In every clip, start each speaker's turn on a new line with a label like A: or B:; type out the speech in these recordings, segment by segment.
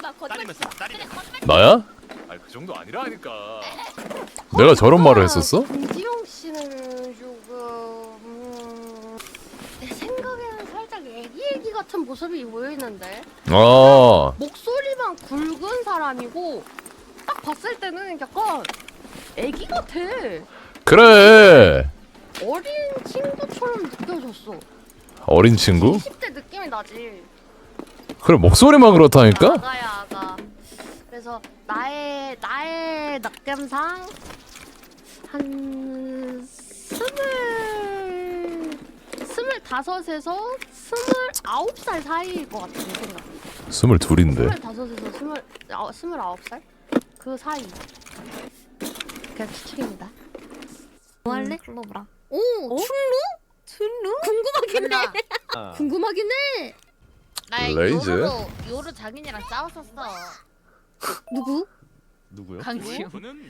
A: 나야?
B: 아니 그 정도 아니라니까.
A: 내가 저런 말을 했었어?
C: 김지용 씨는 조금 내 생각에는 살짝 애기 같은 모습이 보이는데
A: 아,
C: 목소리만 굵은 사람이고 딱 봤을 때는 약간 애기 같아.
A: 그래.
C: 어린 친구처럼 느껴졌어.
A: 어린 친구?
C: 20대 느낌이 나지.
A: 그래, 목소리만 그렇다니까?
C: 아가야 아가. 그래서 나의 느낌상 한 25에서 29살 사이일 것 같아 내 생각.
A: 22인데.
C: 25에서 29살? 그 사이. 그냥 추측입니다.
D: 뭐 할래? 불러보라.
C: 오,
D: 어?
C: 툴루? 궁금하긴 해. 궁금하긴 해.
D: 나
A: 레이즈?
D: 요루 장인이랑 싸웠었어.
C: 누구?
B: 누구요?
D: 강지우.
B: 그는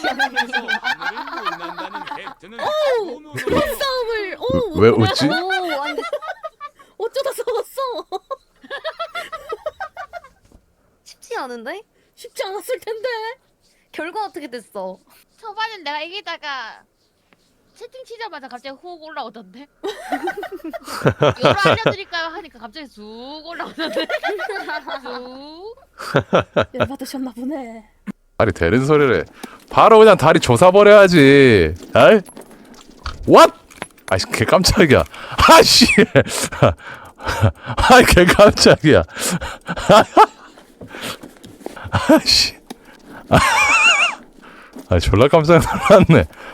C: 그런 싸움을. 오.
A: 왜 웃지?
C: 오, 아니. 어쩌다 싸웠어?
D: 쉽지 않은데?
C: 쉽지 않았을 텐데.
D: 결과 어떻게 됐어? 초반엔 내가 이기다가 채팅 치자마자 갑자기 훅 올라오던데? 요로 알려드릴까요? 하니까 갑자기 쑥 올라오던데? 쑥.
C: 열받으셨나 보네.
A: 다리 되는 소리를 해. 바로 그냥 다리 조사버려야지. 아이? What? 아이씨, 개 깜짝이야. 아씨. 아이, 개 깜짝이야. 아씨. 아, 졸라 깜짝 놀랐네.